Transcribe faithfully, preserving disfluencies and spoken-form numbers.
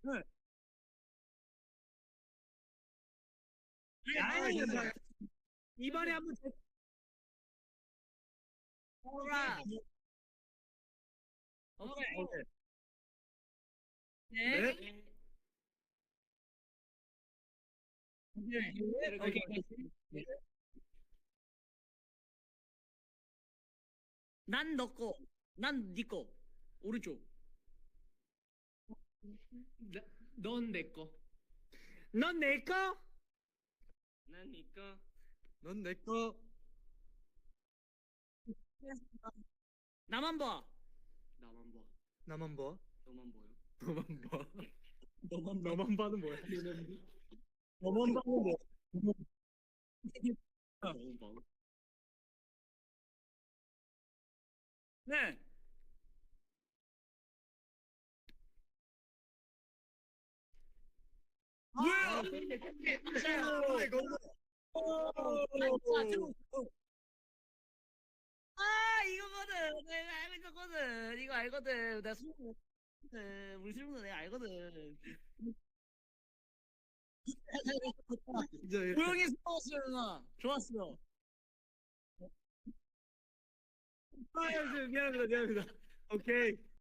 네. 아니, 아니, 괜찮아요. 이번에 한번 제- 오라. 오케이. 오케이. 네. 네. 오케이. 오케이. 오케이. 난 너 거, 난 네 거. 오른쪽. 넌 내 거. 넌 내 거? 난 네 거. 넌 내 거. 나만 봐. 나만 봐. 나만 봐. 너만 보여. 너만 봐. 너만 봐. 너만 봐는 뭐야? 너만 봐는 뭐? 너만 봐. 네. 예! 아, 이거거든. 내가 알고 있었거든. 이거 알거든. 내가 술 먹거든. 우리 술 먹는 내가 알거든. 이제 조용히 싸웠어요, 누나. 좋았어. 아, 이제 미안합니다, 미안합니다. 오케이.